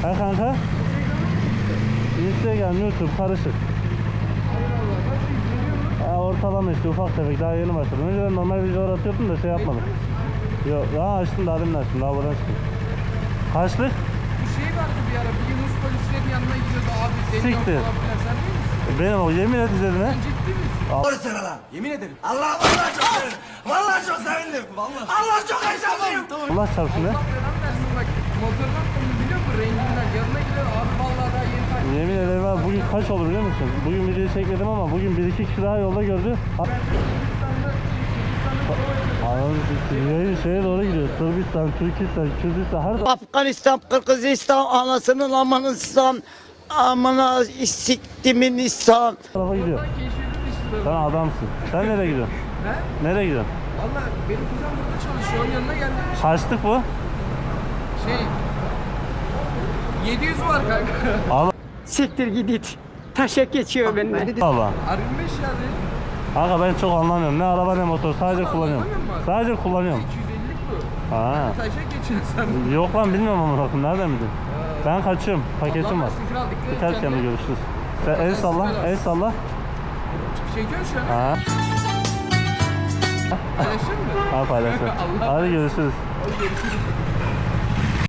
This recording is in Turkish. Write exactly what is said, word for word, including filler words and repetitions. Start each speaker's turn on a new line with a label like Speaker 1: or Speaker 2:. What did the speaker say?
Speaker 1: Ha kanka? Instagram, YouTube karışık. Ha, ortalama işte ufak tefek daha yeni başladım. Önceden normal videolar atıyordum da şey yapmadım. Yok daha açtım daha demin açtım daha buradan çıktım. Kaçlık?
Speaker 2: Bir şey vardı bir ara, bir Yunus polislerin yanına gidiyordu abi. Deniyor
Speaker 1: Siktir.
Speaker 2: falan filan, sen değil misin?
Speaker 1: Benim o yemin et izledin ha.
Speaker 2: Sen ciddi misin?
Speaker 3: Doğru söyle lan. Yemin ederim. Allah vallahi çok sevindim. Vallahi çok sevindim. Vallahi. Allah çok heyecanlıyım.
Speaker 1: Allah çarpsın ne?
Speaker 2: Allah belanı versin bak. Motordan sonra biliyor musun renginden? Yanına gidiyor abi vallahi daha yeni takip.
Speaker 1: Yemin ederim abi bugün kaç olur biliyor musun? Bugün videoyu çekmedim ama bugün bir iki kişi daha yolda gördü. Yayın şeye doğru gidiyor. Sırbistan, Türkistan, Kürdistan her
Speaker 4: Afganistan, Kırgızistan, anasının amanıstan, amına siktimin İslam.
Speaker 1: tarafa gidiyor.
Speaker 2: Oradan keşfedildi işte.
Speaker 1: Sen adamsın. Sen nereye gidiyorsun?
Speaker 2: He?
Speaker 1: Nereye gidiyorsun?
Speaker 2: Valla benim kuzen burada çalışıyor. Onun yanına geldim.
Speaker 1: Kaçtık bu?
Speaker 2: Şey. yedi yüz var kanka.
Speaker 1: Allah
Speaker 4: Siktir gidit. Taşa geçiyor benimle.
Speaker 1: Allah.
Speaker 2: R yirmi beş ya değil.
Speaker 1: Kanka ben çok anlamıyorum. Ne araba ne motor. Sadece
Speaker 2: Allah,
Speaker 1: kullanıyorum.
Speaker 2: anlamıyor musun?
Speaker 1: Sadece kullanıyorum.
Speaker 2: iki yüz ellilik bu.
Speaker 1: Ha.
Speaker 2: Taşa geçiyorsun sen.
Speaker 1: Yok lan bilmiyorum ama bakın nereden bildin? Ben kaçıyorum. Paketim var.
Speaker 2: Allah versin kral, dikkat et
Speaker 1: Birkaç
Speaker 2: kendine.
Speaker 1: yanında görüşürüz. Sen el salla, el salla.
Speaker 2: Çekiyorsun şu an.
Speaker 1: Ha.
Speaker 2: Paylaşır mı?
Speaker 1: Ha paylaşın.
Speaker 2: Allah
Speaker 1: Hadi görüşürüz.
Speaker 2: Hadi görüşürüz.